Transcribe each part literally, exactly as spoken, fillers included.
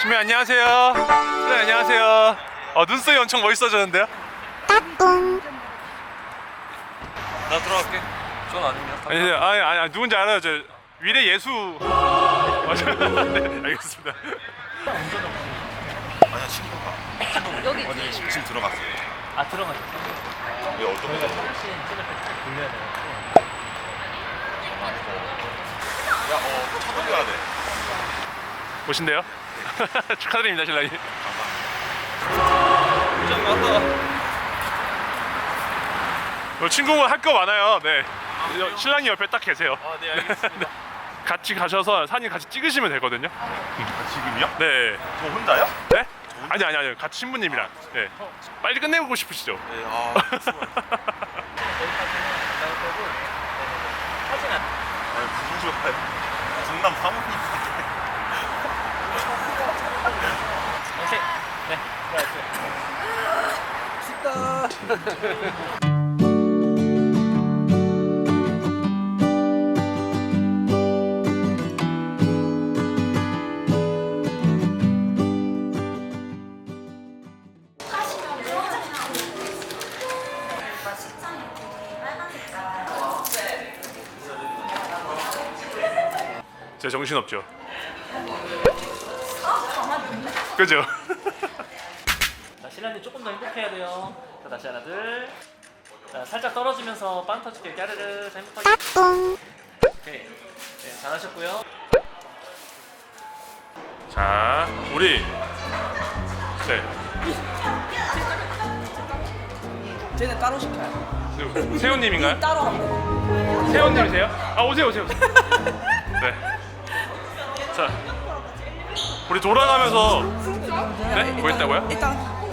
신부 안녕하세요. 네, 안녕하세요. 어, 눈썹이 엄청 멋있어졌는데요? 따뚱. 나 들어갈게. 전 아니면. 아니, 아니, 아니, 아니 누군지 알아요. 저 위례 예수. 맞아요. 네, 알겠습니다. 아니야 친구가. 여기 어디 지금, 지금 들어갔어. 아 들어가셨어? 왜 어떤 거? 혹시 핸드폰 돌려야 돼요. 야, 어, 쳐돌려야 돼. 오신대요? 축하드립니다, 신랑님. 좀 왔다. 어, 친구분 할 거 많아요. 네. 여- 신랑이 옆에 딱 계세요. 아, 네 알겠습니다. 같이 가셔서 사진 같이 찍으시면 되거든요. 아, 지금이요? 네. 저 혼자요? 네? 아니 아니 아니 같이 신부님이랑. 네. 빨리 끝내고 싶으시죠? 네. 아, 사진 안. 아니, 무슨 좋아요? 전남 사모님. 오케이. 네. 제 정신 없죠. 그죠? 자, 신랑님 조금 더 행복해야 돼요. 자, 다시 하나 둘. 자, 살짝 떨어지면서 빵 터질게요. 까르르. 자, 행복하게. 따뚱. 오케이. 네, 잘하셨고요. 자, 우리 네. 쟤는 따로 시켜요. 누구, 세훈님인가요? 따로 하고. 세훈님이세요? 아 오세요 오세요. 오세요. 네. 자, 우리 돌아가면서 네? 뭐 했다고요? 일단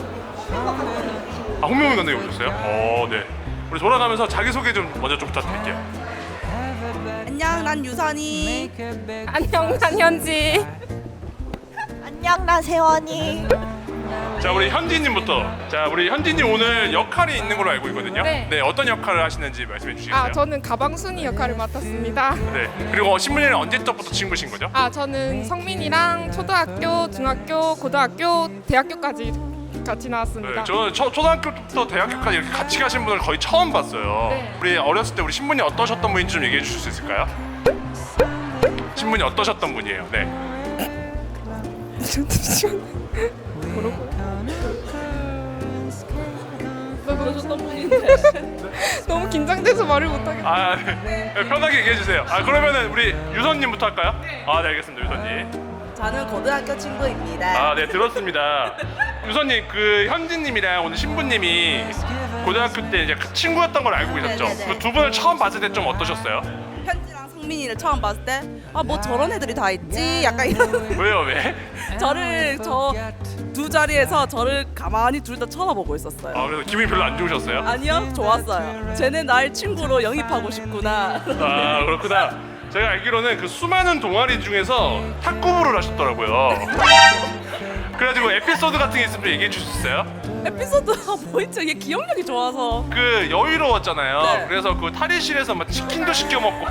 아 홍명민 감독님 오셨어요? 어, 네. 우리 돌아가면서 자기 소개 좀 먼저 좀 부탁드릴게요. 안녕, 난 유선이. 안녕, 난 현지. 안녕 나 세원이. 자, 우리 현지님부터. 자, 우리 현지님 오늘 역할이 있는 걸로 알고 있거든요. 네. 어떤 역할을 하시는지 말씀해 주시겠어요? 아, 저는 가방순이 역할을 맡았습니다. 네. 그리고 신부님은 언제부터 친구신 거죠? 아, 저는 성민이랑 초등학교, 중학교, 고등학교, 대학교까지 같이 나왔습니다. 네, 저는 초, 초등학교부터 대학교까지 이렇게 같이 가신 분을 거의 처음 봤어요. 네. 우리 어렸을 때 우리 신부님 어떠셨던 분인지 좀 얘기해 주실 수 있을까요? 신부님 어떠셨던 분이에요? 네. 그러셨던 분인데. 너무 긴장돼서 말을 못하겠어. 아, 네. 네, 편하게 얘기해 주세요. 아, 그러면은 우리 유선님부터 할까요? 아, 네, 알겠습니다, 유선님. 저는 고등학교 친구입니다. 아, 네, 들었습니다. 유선님, 그 현진님이랑 오늘 신부님이 고등학교 때 이제 친구였던 걸 알고 계셨죠? 네네네. 그 두 분을 처음 봤을 때 좀 어떠셨어요? 현지랑 성민이를 처음 봤을 때, 아, 뭐 저런 애들이 다 있지? 약간 이런. 왜요, 왜? 저를, 저 두 자리에서 저를 가만히 둘 다 쳐다보고 있었어요. 아, 그래서 기분이 별로 안 좋으셨어요? 아니요, 좋았어요. 쟤는 날 친구로 영입하고 싶구나. 아, 그렇구나. 제가 알기로는 그 수많은 동아리 중에서 탁구부를 하셨더라고요. 그래가지고 에피소드 같은 게 있으면 좀 얘기해 주실 수 있어요? 에피소드가 뭐 있죠? 얘 기억력이 좋아서. 그 여유로웠잖아요. 네. 그래서 그 탈의실에서 막 치킨도 시켜 먹고.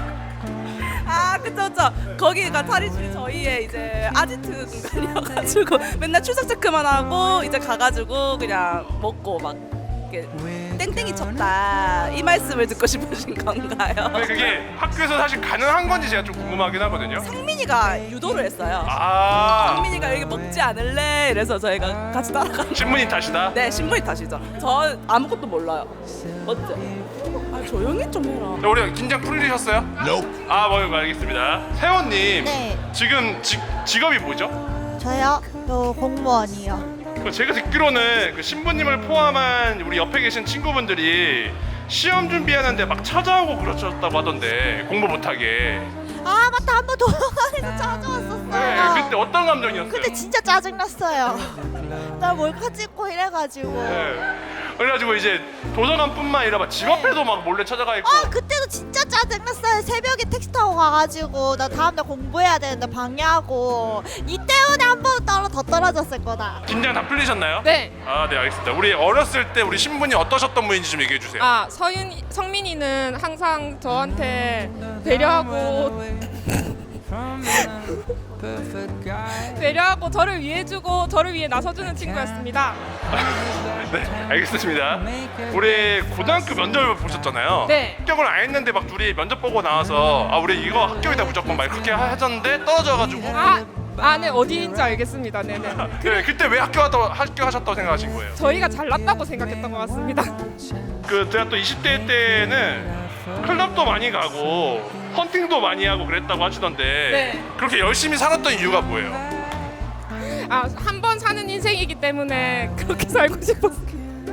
아, 그쵸, 그쵸. 거기가 탈의실이 저희의 이제 아지트 공간이어가지고 맨날 출석 체크만 하고 이제 가가지고 그냥 먹고 막 이렇게 땡땡이 쳤다 이 말씀을 듣고 싶으신 건가요? 근데 그게 학교에서 사실 가능한 건지 제가 좀 궁금하긴 하거든요. 성민이가 유도를 했어요. 아, 성민이가 여기 먹지 않을래? 이래서 저희가 같이 따라가. 신부님 탓이다. 네, 신분이 탓이죠. 저 아무것도 몰라요. 맞죠? 아, 조용히 좀 해라. 자, 우리 긴장 풀리셨어요? 아, 뭐 알겠습니다. 세원님, 네. 지금 직, 직업이 뭐죠? 저요? 저 공무원이요. 그 제가 듣기로는 그 신부님을 포함한 우리 옆에 계신 친구분들이 시험 준비하는데 막 찾아오고 그러셨다고 하던데 공부 못하게. 아 맞다 한 번 도서관에서 찾아왔었어요. 네, 그때 어떤 감정이었어요? 그때 진짜 짜증났어요. 나 몰카 찍고 이래가지고. 네. 그래가지고 이제 도서관뿐만 아니라 막 집 앞에도 막 몰래 찾아가 있고. 아 그때도 진짜 짜증났어요. 새벽에 택시 타고 가가지고 나 다음날 공부해야 되는데 방해하고 이 때문에 한 번 떨어 더 떨어졌을 거다. 긴장 다 풀리셨나요? 네. 아, 네, 알겠습니다. 우리 어렸을 때 우리 신부님 어떠셨던 분인지 좀 얘기해 주세요. 아, 서윤, 성민이는 항상 저한테 배려하고 배려하고 저를 위해주고 저를 위해 나서주는 친구였습니다. 네, 알겠습니다. 우리 고등학교 면접을 보셨잖아요. 네. 합격을 안 했는데 막 둘이 면접 보고 나와서 아 우리 이거 합격이다 무조건 막 그렇게 하셨는데 떨어져가지고. 아, 아, 네, 어디인지 알겠습니다. 네네. 네, 그때 왜 합격하다고 합격하셨다고 생각하신 거예요? 저희가 잘났다고 생각했던 것 같습니다. 그 제가 또 이십 대 때는 클럽도 많이 가고 헌팅도 많이 하고 그랬다고 하시던데 네. 그렇게 열심히 살았던 이유가 뭐예요? 아, 한 번 사는 인생이기 때문에 그렇게 살고 싶었어요.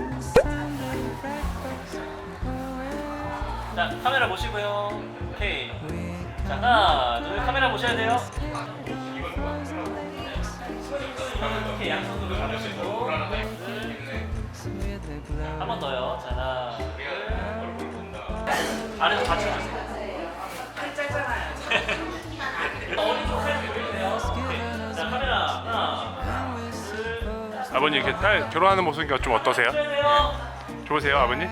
자, 카메라 보시고요. 오케이. 자, 하나, 둘, 카메라 보셔야 돼요. 이렇게 양손으로 잡으시고 한 번 더요. 자, 하나, 둘. 아래서 받쳐주세요. 팔 짧잖아요. 오른쪽 팔 보이네요. 오케이. 자, 카메라 하나, 둘. 아버님 이렇게 딸 결혼하는 모습이니까 좀 어떠세요? 보셔야 돼요. 좋으세요 아버님?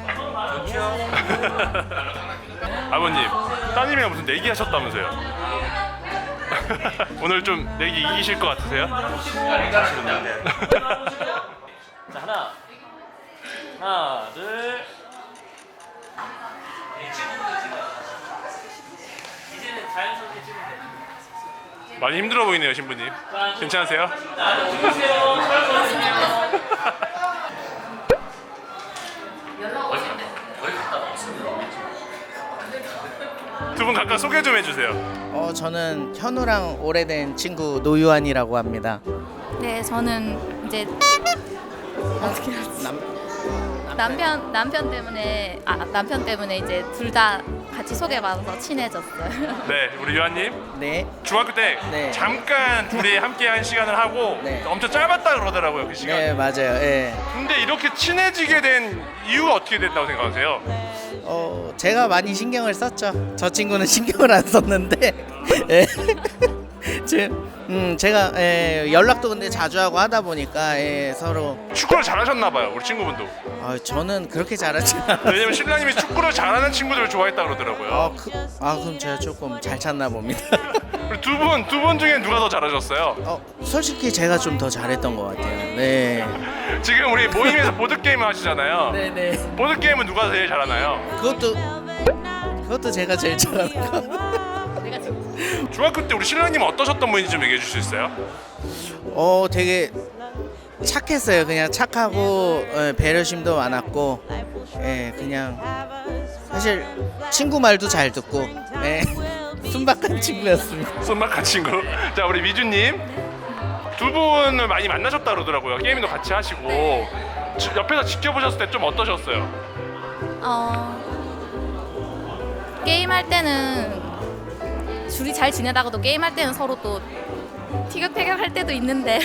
아버님 따님이랑 무슨 내기 하셨다면서요? 오늘 좀 내기 이기실 것 같으세요? 자, 하나, 하나, 둘. 이제는 자연스럽게 찍으면 돼. 많이 힘들어 보이네요 신부님. 괜찮으세요? 자, 찍으세요. 촬영 두 분 각각 소개 좀 해주세요. 어, 저는 현우랑 오래된 친구 노유한이라고 합니다. 네, 저는 이제 어떻게 하지? 남, 남편 남편 때문에 아 남편 때문에 이제 둘 다 같이 소개받아서 친해졌어요. 네 우리 유한님 네, 중학교 때 네. 잠깐 둘이 함께 한 시간을 하고 네. 엄청 짧았다 그러더라고요 그 시간. 네 맞아요. 예. 근데 이렇게 친해지게 된 이유가 어떻게 됐다고 생각하세요? 어, 제가 많이 신경을 썼죠. 저 친구는 신경을 안 썼는데, 예. 제, 음, 제가 예, 연락도 근데 자주 하고 하다 보니까 예, 서로. 축구를 잘하셨나 봐요 우리 친구분도. 어, 저는 그렇게 잘하지 않아요. 왜냐면 신랑님이 축구를 잘하는 친구들을 좋아했다 그러더라고요. 아, 그, 아, 그럼 제가 조금 잘 찾나 봅니다. 두 분 두 분 중에 누가 더 잘하셨어요? 어, 솔직히 제가 좀 더 잘했던 것 같아요. 네. 지금 우리 모임에서 보드 게임 하시잖아요. 네네. 보드 게임은 누가 제일 잘하나요? 그것도 그것도 제가 제일 잘하는 거. 중학교 때 우리 신랑님은 어떠셨던 분인지 좀 얘기해 줄 수 있어요? 어, 되게 착했어요. 그냥 착하고 어, 배려심도 많았고, 예, 그냥 사실 친구 말도 잘 듣고, 예, 순박한 친구였습니다. 손막한 친구. 자 우리 미주님 두 분을 많이 만나셨다 그러더라고요. 게임도 같이 하시고 지- 옆에서 지켜보셨을 때 좀 어떠셨어요? 어, 게임할 때는 둘이 잘 지내다가도 게임할 때는 서로 또 티격태격할 때도 있는데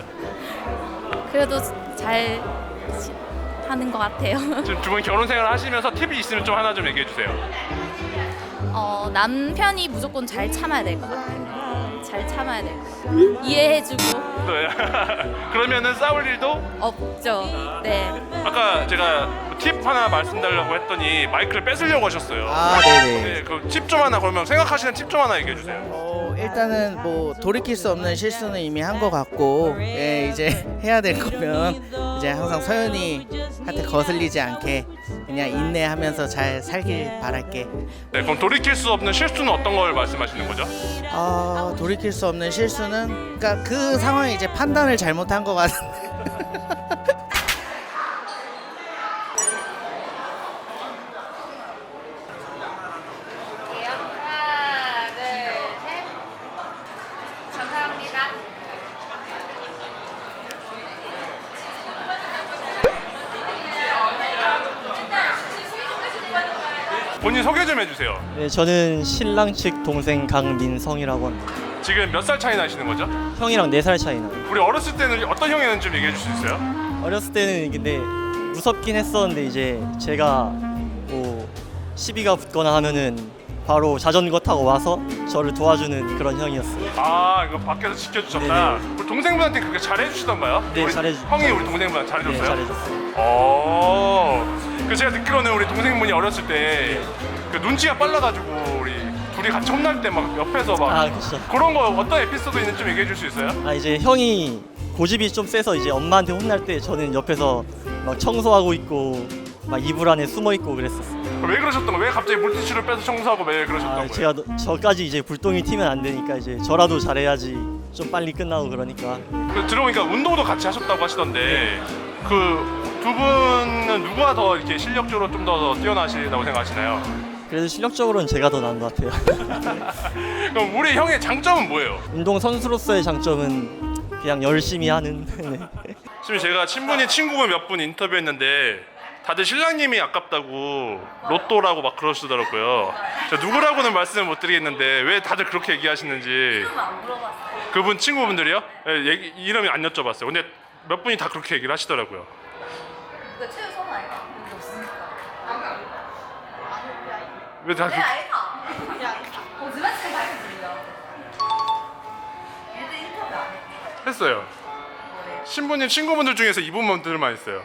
그래도 잘 지- 하는 것 같아요. 지금 두 분 결혼 생활 하시면서 팁이 있으면 좀 하나 좀 얘기해 주세요. 어, 남편이 무조건 잘 참아야 될 것 같아요. 잘 참아야 될 것 같아요. 이해해주고 네. 그러면은 싸울 일도 없죠. 네. 아까 제가 팁 하나 말씀드리려고 했더니 마이크를 뺏으려고 하셨어요. 아, 네네. 네, 그 팁 좀 하나 그러면 생각하시는 팁 좀 하나 얘기해 주세요. 어, 일단은 뭐 돌이킬 수 없는 실수는 이미 한 것 같고, 예, 이제 해야 될 거면 이제 항상 서연이한테 거슬리지 않게 그냥 인내하면서 잘 살길 바랄게. 네, 그럼 돌이킬 수 없는 실수는 어떤 걸 말씀하시는 거죠? 어, 돌이킬 수 없는 실수는, 그러니까 그 상황에 이제 판단을 잘못한 것 같은데. 하나, 둘, 셋. 감사합니다. 본인 소개 좀 해주세요. 네, 저는 신랑 측 동생 강민성이라고 합니다. 지금 몇 살 차이 나시는 거죠? 형이랑 네 살 차이 나요. 우리 어렸을 때는 어떤 형이었는지 좀 얘기해 줄 수 있어요? 어렸을 때는 근데 무섭긴 했었는데 이제 제가 뭐 시비가 붙거나 하면은 바로 자전거 타고 와서 저를 도와주는 그런 형이었어요. 아 이거 밖에서 지켜주셨다. 네네. 우리 동생분한테 그렇게 잘해주시던가요? 네, 우리 잘해주- 형이 우리 동생분한테 네, 잘해줬어요? 잘해줬어요. 어. 그 제가 듣기로는 우리 동생분이 어렸을 때 그 눈치가 빨라가지고 우리 둘이 같이 혼날 때 막 옆에서 막 아 그렇죠. 그런 거 어떤 에피소드 있는지 좀 얘기해 줄 수 있어요? 아 이제 형이 고집이 좀 세서 이제 엄마한테 혼날 때 저는 옆에서 막 청소하고 있고 막 이불 안에 숨어 있고 그랬었어요. 왜 그러셨던 거예요? 왜 갑자기 물티슈를 빼서 청소하고 왜 그러셨던 아 거예요? 제가 너- 저까지 이제 불똥이 튀면 안 되니까 이제 저라도 잘해야지 좀 빨리 끝나고 그러니까. 그 들어보니까 운동도 같이 하셨다고 하시던데 그 두 분은 누가 더 이렇게 실력적으로 좀 더 뛰어나시다고 생각하시나요? 그래도 실력적으로는 제가 더 나은 것 같아요. 그럼 우리 형의 장점은 뭐예요? 운동 선수로서의 장점은 그냥 열심히 하는. 네. 지금 제가 친분이 친구분 몇 분 인터뷰했는데 다들 신랑님이 아깝다고 로또라고 막 그러시더라고요. 제가 누구라고는 말씀을 못 드리겠는데 왜 다들 그렇게 얘기하시는지. 그분 친구분들이요? 예, 얘기, 이름이 안 여쭤봤어요. 근데 몇 분이 다 그렇게 얘기를 하시더라고요. 왜 다 그렇게 했어요? 신부님 친구분들 중에서 이분들만 있어요.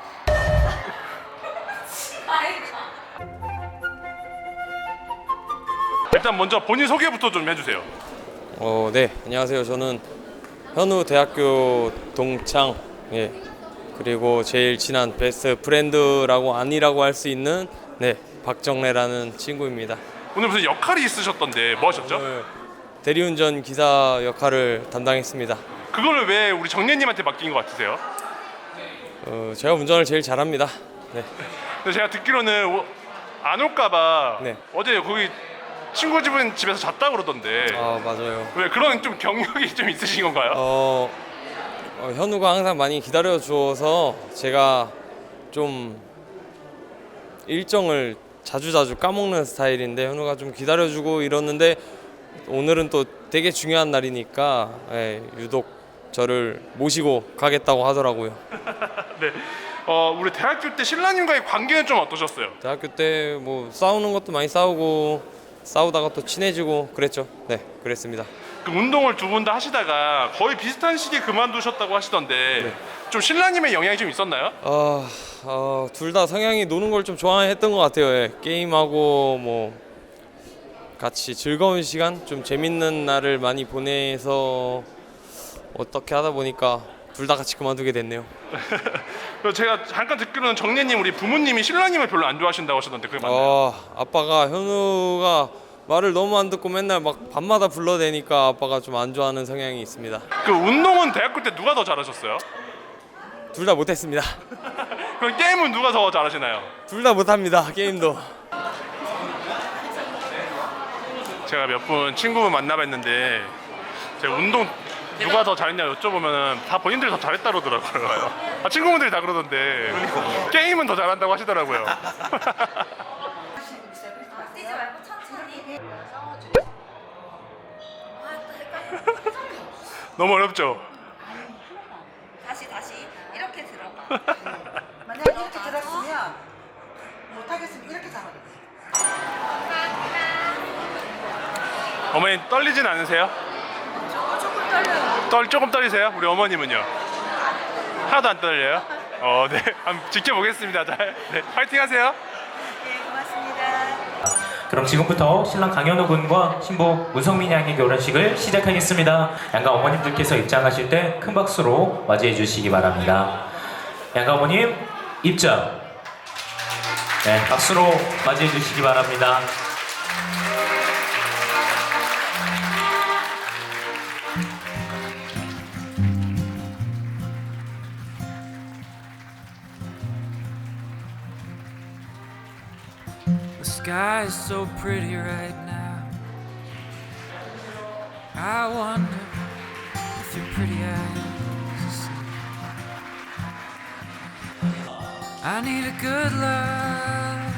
일단 먼저 본인 소개부터 좀 해주세요. 어, 네, 안녕하세요. 저는 현우 대학교 동창, 예, 그리고 제일 친한 베스트 프렌드라고 아니라고 할 수 있는 네 박정래라는 친구입니다. 오늘 무슨 역할이 있으셨던데 뭐 하셨죠? 오늘 대리운전 기사 역할을 담당했습니다. 그거를 왜 우리 정례님한테 맡긴 것 같으세요? 어, 제가 운전을 제일 잘합니다. 네, 근데 제가 듣기로는 오- 안 올까봐 네. 어제 거기 친구 집은 집에서 잤다 그러던데 아 맞아요. 왜 그런 좀 경력이 좀 있으신 건가요? 어, 어, 현우가 항상 많이 기다려 주어서 제가 좀 일정을 자주자주 까먹는 스타일인데 현우가 좀 기다려주고 이러는데 오늘은 또 되게 중요한 날이니까 예, 유독 저를 모시고 가겠다고 하더라고요. 네. 어 우리 대학교 때 신랑님과의 관계는 좀 어떠셨어요? 대학교 때 뭐 싸우는 것도 많이 싸우고 싸우다가 또 친해지고 그랬죠. 네, 그랬습니다. 그 운동을 두 분 다 하시다가 거의 비슷한 시기에 그만두셨다고 하시던데 네. 좀 신랑님의 영향이 좀 있었나요? 어, 어, 둘 다 성향이 노는 걸 좀 좋아했던 것 같아요. 예. 게임하고 뭐 같이 즐거운 시간, 좀 재밌는 날을 많이 보내서 어떻게 하다 보니까 둘 다 같이 그만두게 됐네요. 그리고 제가 잠깐 듣기로는 정례님 우리 부모님이 신랑님을 별로 안 좋아하신다고 하셨던데 그게 맞나요? 어, 아빠가 현우가 말을 너무 안 듣고 맨날 막 밤마다 불러대니까 아빠가 좀 안 좋아하는 성향이 있습니다. 그 운동은 대학교 때 누가 더 잘하셨어요? 둘 다 못했습니다. 그럼 게임은 누가 더 잘하시나요? 둘 다 못합니다. 게임도. 제가 몇 분 친구분 만나뵀는데 제가 운동 누가 더 잘했냐 여쭤보면 다 본인들이 더 잘했다 그러더라고요. 아, 친구분들이 다 그러던데 게임은 더 잘한다고 하시더라고요. 너무 어렵죠? 다시 다시 이렇게 들어봐. 만약 이렇게 들었으면 못하겠으면 이렇게 잡아야 돼. 어머니 떨리진 않으세요? 조금 떨려요. 떨 조금 떨리세요? 우리 어머님은요? 하나도 안 떨려요? 어, 네. 한번 지켜보겠습니다. 잘. 네. 파이팅하세요. 네, 고맙습니다. 그럼 지금부터 신랑 강현우 군과 신부 문성민 양의 결혼식을 시작하겠습니다. 양가 어머님들께서 입장하실 때 큰 박수로 맞이해 주시기 바랍니다. 양가 어머님 입장. 네, 박수로 맞이해 주시기 바랍니다. The sky is so pretty right now. I wonder if your pretty eyes see. I need a good love.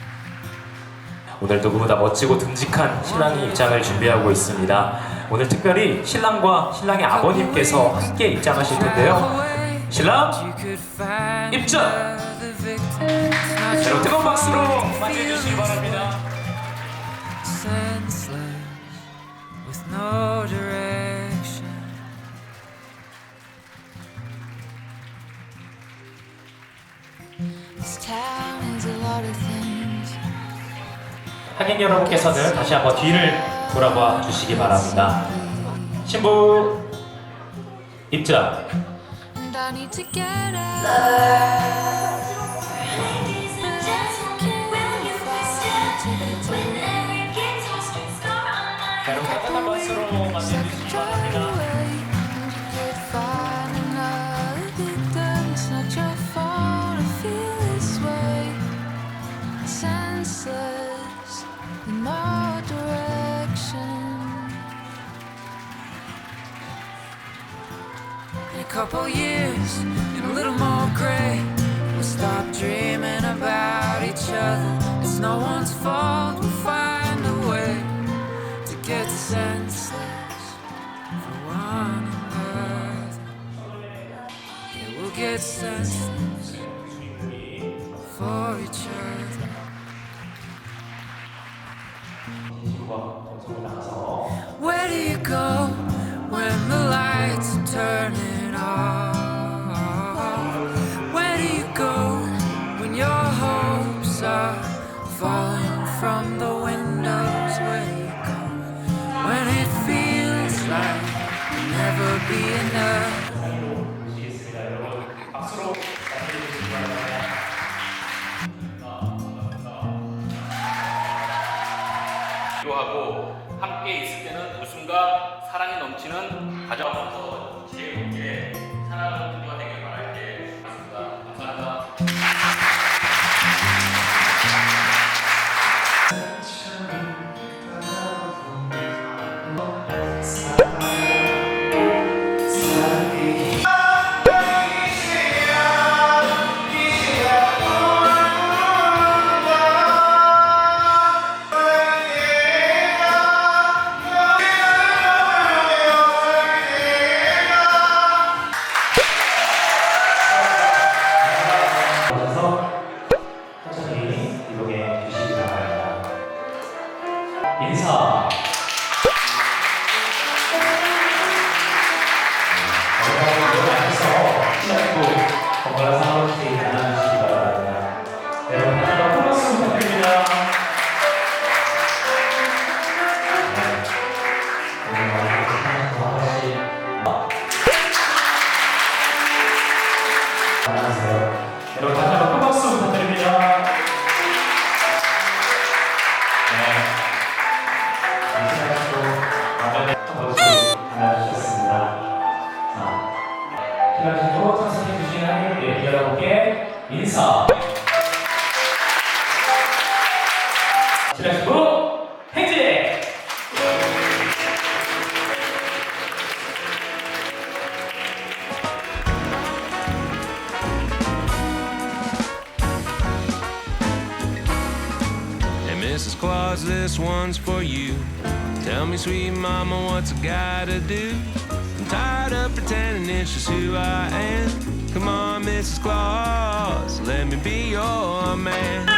오늘 누구보다 멋지고 듬직한 신랑이 입장을 준비하고 있습니다. 오늘 특별히 신랑과 신랑의 아버님께서 함께 입장하실 텐데요. 신랑 입장! 여러분 뜨거운 박수로 맞이해 주시기 바랍니다. Senseless with no direction. This town is a lot of things. 하객 여러분께서는 다시 한번 뒤를 돌아봐 주시기 바랍니다. 신부 입장. And I need to get out. 자, 여러분 따뜻한 박수로 맞이해주시기 바랍니다. Senseless in no direction. In a couple years, and a little more gray, we'll stop dreaming about each other. It's no one's fault, we'll find a way to get senseless for one another. Yeah, we'll get senseless for each other. Where do you go when the lights are turning off? Where do you go when your hopes are falling from the windows? Where do you go when it feels like there'll never be enough? 하고 함께 있을 때는 웃음과 사랑이 넘치는 가정에서 제일 높게 사랑하는 분들과 되길 바랄게. 감사합니다. 인사. 건강한 상황을 나눠주시기 바랍니다. 여러분 다시 한번 큰 박수 부탁드립니다. 안녕하세요. 여러분 다시 한번 큰 박수 부탁드립니다. 기다리시고 참석해주신 하객 여러분께 인사. 기다리시고 행진. Hey, Missus Claus, this one's for you. Tell me, sweet mama, what's a guy to do? I'm tired of pretending it's just who I am. Come on, Missus Claus, let me be your man.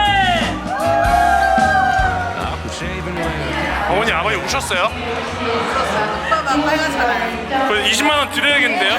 Awkward shaving when 어머니 아버지 우셨어요? 오빠가 빨갛잖아요. 그 이십만 원 드려야겠는데요?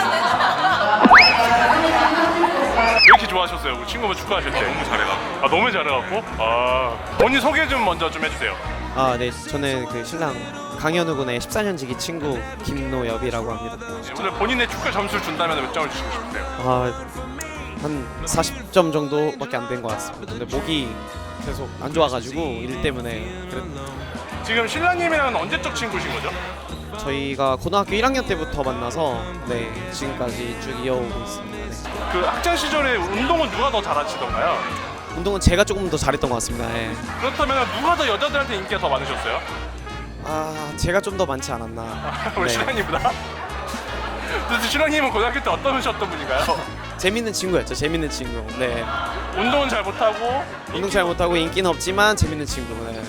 왜 이렇게 좋아하셨어요? 우리 친구분 축하하실 때 너무 잘해갖고. 아 너무 잘해갖고? 아 본인 소개 좀 먼저 좀 해주세요. 아, 네, 저는 그 신랑 강현우 군의 십사 년지기 친구 김노엽이라고 합니다. 네, 오늘 본인의 축하 점수를 준다면 몇 점을 주시고 싶으세요? 아, 한 사십 점 정도밖에 안 된 것 같습니다. 근데 목이 계속 안 좋아가지고 일 때문에 그랬는데. 지금 신랑님이랑은 언제적 친구신 거죠? 저희가 고등학교 일 학년 때부터 만나서 네 지금까지 쭉 이어오고 있습니다. 네. 그 학창 시절에 운동은 누가 더 잘하시던가요? 운동은 제가 조금 더 잘했던 것 같습니다. 네. 그렇다면 누가 더 여자들한테 인기가 더 많으셨어요? 아, 제가 좀 더 많지 않았나. 우리 네. 신랑님보다? 그래서 신랑님은 고등학교 때 어떠셨던 분인가요? 재밌는 친구였죠. 재밌는 친구. 네. 운동은 잘 못하고 운동 잘 못하고 인기는 없지만 재밌는 친구. 네.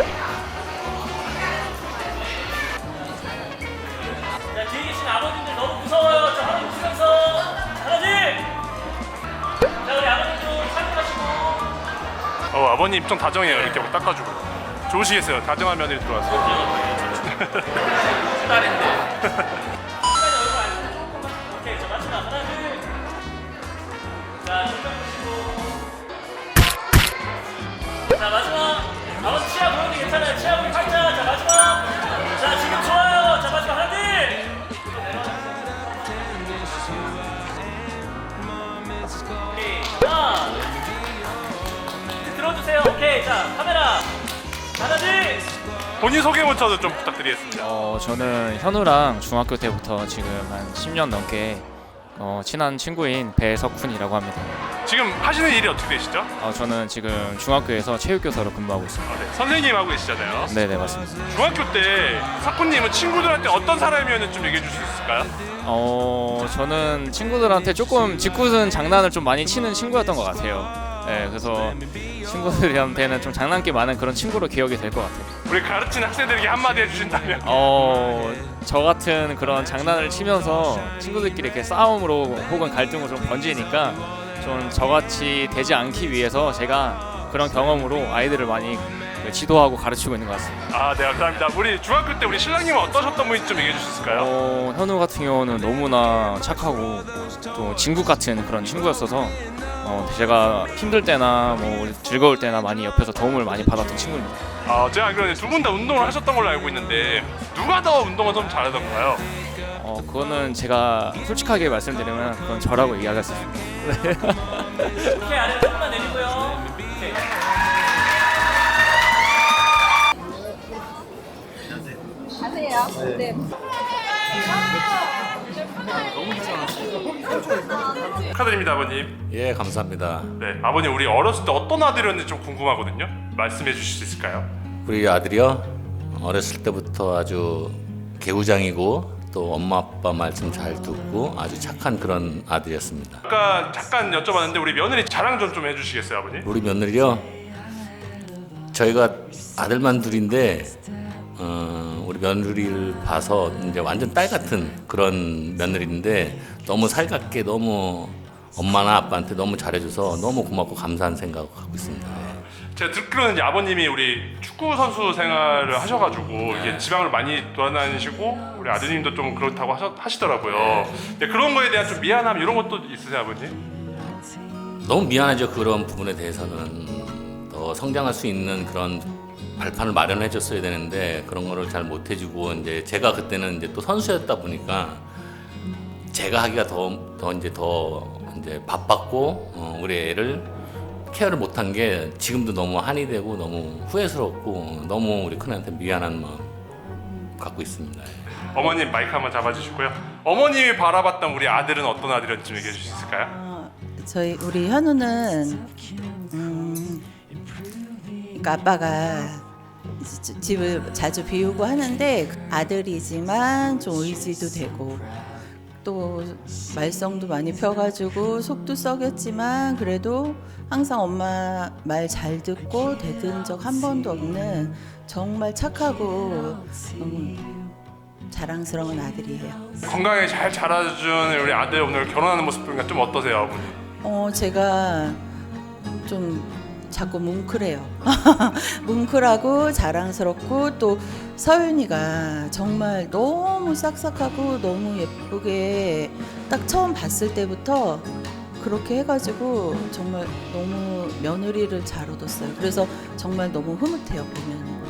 자, 뒤에 계신 아버님들 너무 무서워요. 자, 한번 웃으면서 잘하지. 자, 우리 아버님 좀 살펴하시고. 어 아버님 좀 다정해요. 이렇게 막 닦아주고 좋으시겠어요. 다정한 며느리 들어와서. 딸인데. 오케이, 자 마지막 하나 둘. 자, 눈 감으시고. 자 마지막. 오케이. 하나. 이제 들어주세요. 오케이. 자, 카메라. 하나, 둘. 본인 소개부터 좀 부탁드리겠습니다. 어, 저는 현우랑 중학교 때부터 지금 한 십 년 넘게 어, 친한 친구인 배석훈이라고 합니다. 지금 하시는 일이 어떻게 되시죠? 어, 저는 지금 중학교에서 체육교사로 근무하고 있습니다. 아, 네. 선생님 하고 계시잖아요. 네네 맞습니다. 중학교 때 사쿠님은 친구들한테 어떤 사람이었는지 좀 얘기해 줄 수 있을까요? 어, 저는 친구들한테 조금 짓궂은 장난을 좀 많이 치는 친구였던 것 같아요. 네, 그래서 친구들한테는 좀 장난기 많은 그런 친구로 기억이 될 것 같아요. 우리 가르치는 학생들에게 한마디 해주신다면? 어, 저 같은 그런 장난을 치면서 친구들끼리 이렇게 싸움으로 혹은 갈등으로 좀 번지니까 좀 저같이 되지 않기 위해서 제가 그런 경험으로 아이들을 많이 지도하고 가르치고 있는 것 같습니다. 아, 네, 감사합니다. 우리 중학교 때 우리 신랑님은 어떠셨던 분인지 좀 얘기해 주실 수 있을까요? 어, 현우 같은 경우는 너무나 착하고 또 친구 같은 그런 친구였어서 어, 제가 힘들 때나 뭐 즐거울 때나 많이 옆에서 도움을 많이 받았던 친구입니다. 아, 제가 알기로는 두 분 다 운동을 하셨던 걸로 알고 있는데 누가 더 운동을 좀 잘하던가요? 어, 그거는 제가 솔직하게 말씀드리면 그건 저라고 이야기할 수 있습니다. 오케이. 아래 조금만 내리고요. 오케이. 가세요. 네. 축하드립니다, 아버님. 예, 감사합니다. 네, 아버님 우리 어렸을 때 어떤 아들이었는지 좀 궁금하거든요. 말씀해 주실 수 있을까요? 우리 아들이요. 어렸을 때부터 아주 개구장이고 또 엄마 아빠 말씀 잘 듣고 아주 착한 그런 아들이었습니다. 아까 잠깐 여쭤봤는데 우리 며느리 자랑 좀 좀 해주시겠어요, 아버님? 우리 며느리요. 저희가 아들만 둘인데 어, 우리 며느리를 봐서 이제 완전 딸 같은 그런 며느리인데 너무 살갑게 너무 엄마나 아빠한테 너무 잘해줘서 너무 고맙고 감사한 생각을 갖고 있습니다. 제가 듣기로는 이제 아버님이 우리 축구 선수 생활을 하셔가지고 이게 지방을 많이 돌아다니시고 우리 아드님도 좀 그렇다고 하셔, 하시더라고요. 근데 그런 거에 대한 좀 미안함 이런 것도 있으세요, 아버님? 너무 미안하죠. 그런 부분에 대해서는 더 성장할 수 있는 그런 발판을 마련해 줬어야 되는데 그런 거를 잘 못 해주고 이제 제가 그때는 이제 또 선수였다 보니까 제가 하기가 더, 더 이제 더 이제 바빴고 어, 우리 애를 케어를 못한 게 지금도 너무 한이 되고 너무 후회스럽고 너무 우리 큰애한테 미안한 마음 갖고 있습니다. 어머님 마이크 한번 잡아주시고요. 어머님이 바라봤던 우리 아들은 어떤 아들이었는지 좀 얘기해 주실 수 있을까요? 어, 저희 우리 현우는 음, 그러니까 아빠가 지- 집을 자주 비우고 하는데 아들이지만 좀 의지도 되고 또 말썽도 많이 펴가지고 속도 썩였지만 그래도 항상 엄마 말 잘 듣고 대든 적 한 번도 없는 정말 착하고 음, 자랑스러운 아들이에요. 건강하게 잘 자라준 우리 아들 오늘 결혼하는 모습 보니까 좀 어떠세요, 아버님? 어 제가 좀 자꾸 뭉클해요. 뭉클하고 자랑스럽고 또 서윤이가 정말 너무 싹싹하고 너무 예쁘게 딱 처음 봤을 때부터 그렇게 해가지고 정말 너무 며느리를 잘 얻었어요. 그래서 정말 너무 흐뭇해요 보면.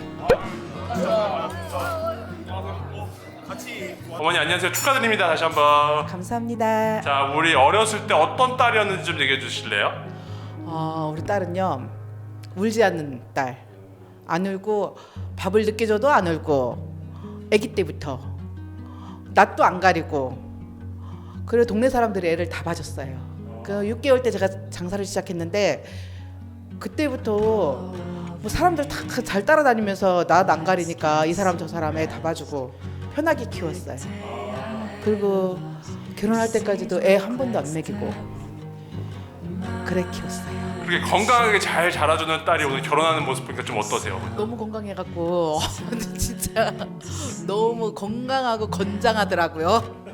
어머니 안녕하세요. 축하드립니다. 다시 한번. 감사합니다. 자, 우리 어렸을 때 어떤 딸이었는지 좀 얘기해 주실래요? 어, 우리 딸은요 울지 않는 딸. 안 울고 밥을 늦게 줘도 안 울고 아기 때부터 낯도 안 가리고 그래 동네 사람들이 애를 다 봐줬어요. 그 육 개월 때 제가 장사를 시작했는데 그때부터 뭐 사람들 다 잘 따라다니면서 낯 안 가리니까 이 사람 저 사람 애 다 봐주고 편하게 키웠어요. 그리고 결혼할 때까지도 애 한 번도 안 먹이고 그래 키웠어요. 그렇게 건강하게 잘 자라주는 딸이 오늘 결혼하는 모습 보니까 좀 어떠세요? 너무 건강해갖고 진짜 너무 건강하고 건장하더라고요.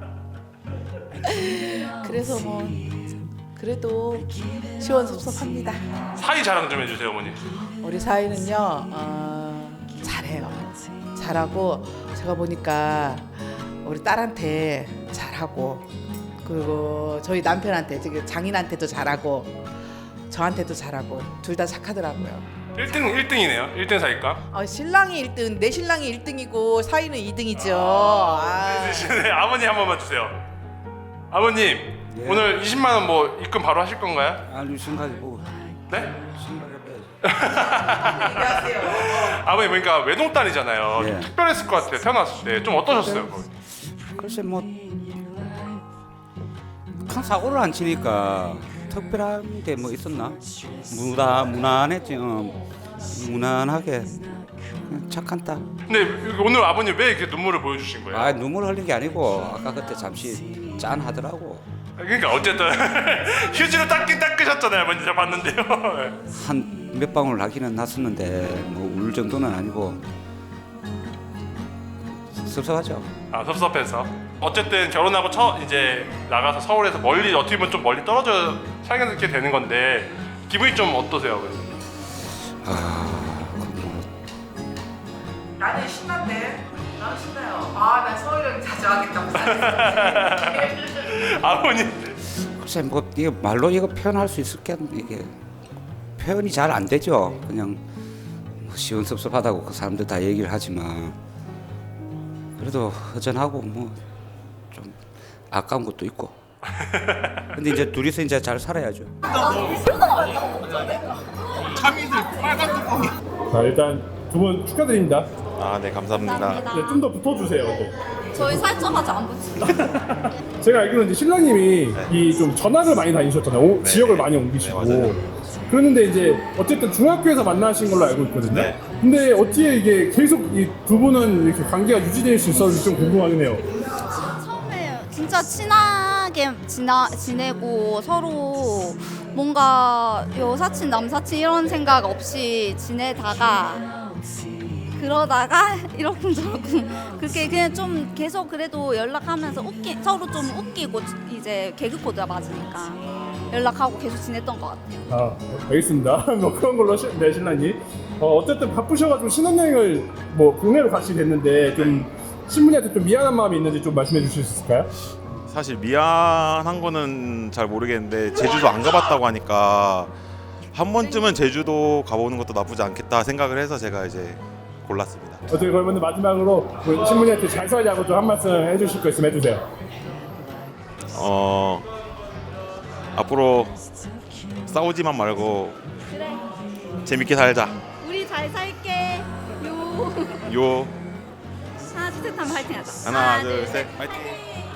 그래서 뭐 그래도 시원섭섭합니다. 사이 자랑 좀 해주세요, 어머니. 우리 사이는요 어, 잘해요. 잘하고 제가 보니까 우리 딸한테 잘하고 그리고 저희 남편한테 저기 장인한테도 잘하고 저한테도 잘하고 둘 다 착하더라고요. 일 등 일 등이네요. 일 등 사이가. 아, 신랑이 일 등, 내 신랑이 일 등이고 사이는 이 등이죠. 아. 네, 아버님 한 번만 주세요. 아버님 예. 오늘 이십만 원 뭐 입금 바로 하실 건가요? 아니 생각해 보고. 네? 아버님 그러니까 외동딸이잖아요. 예. 좀 특별했을 것 같아요. 태어났을 때 좀 어떠셨어요? 거기? 글쎄 뭐 큰 사고를 안 치니까 특별한 게 뭐 있었나? 무난 무난했지. 어. 무난하게 그냥 착한 딸. 근데 오늘 아버님 왜 이렇게 눈물을 보여주신 거예요? 아 눈물 흘린 게 아니고 아까 그때 잠시 짠하더라고. 그러니까 어쨌든 휴지로 닦긴 닦으셨잖아요. 아버님 제가 봤는데요. 한 몇 방울 나기는 났었는데 뭐 울 정도는 아니고 섭섭하죠. 아 섭섭해서. 어쨌든 결혼하고 처 이제 나가서 서울에서 멀리 어떻게 보면 좀 멀리 떨어져 살게 되는 건데 기분이 좀 어떠세요? 아, 나는 신난데. 나는 신나요. 아, 나 서울역 자주 하겠다. 아버님. 글쎄 뭐 이게 말로 이거 표현할 수 있을게 이게 표현이 잘 안 되죠. 그냥 뭐 시원섭섭하다고 그 사람들 다 얘기를 하지만 그래도 허전하고 뭐 좀 아까운 것도 있고. 근데 이제 둘이서 이제 잘 살아야죠. 참이슬 빨간 뚜껑이. 자 일단 두 분 축하드립니다. 아, 네, 감사합니다. 네, 좀 더 붙어주세요. 네. 저희 살점 아직 안 붙이죠. 제가 알기로는 이제 신랑님이 이 좀 전학을 많이 다니셨잖아요. 오, 네. 지역을 많이 옮기시고. 네, 그랬는데 이제 어쨌든 중학교에서 만나신 걸로 알고 있거든요. 네. 근데 어떻게 이게 계속 이 두 분은 이렇게 관계가 유지될 수 있었는지 좀 궁금하긴 해요. 처음에 진짜 친하게 지나, 지내고 서로 뭔가 여사친 남사친 이런 생각 없이 지내다가 그러다가 이러쿵저러쿵 그렇게 그냥 좀 계속 그래도 연락하면서 웃기 서로 좀 웃기고 이제 개그 코드가 맞으니까 연락하고 계속 지냈던 것 같아요. 아, 알겠습니다. 뭐 그런 걸로 시, 네, 신랑님. 어, 어쨌든 바쁘셔가지고 신혼여행을 뭐 국내로 가시게 됐는데 좀 신부님한테 좀 미안한 마음이 있는지 좀 말씀해 주실 수 있을까요? 사실 미안한 거는 잘 모르겠는데 제주도 안 가봤다고 하니까 한 번쯤은 제주도 가보는 것도 나쁘지 않겠다 생각을 해서 제가 이제 골랐습니다. 어떻게 그러면 마지막으로 그 신부님한테 잘 살자고 좀 한 말씀 해주실 거 있으면 해주세요. 어 앞으로 싸우지만 말고 그래. 재밌게 살자. 우리 잘 살게. 요. 요 하나 둘 셋 하면 화이팅하자. 하나 둘 셋 파이팅.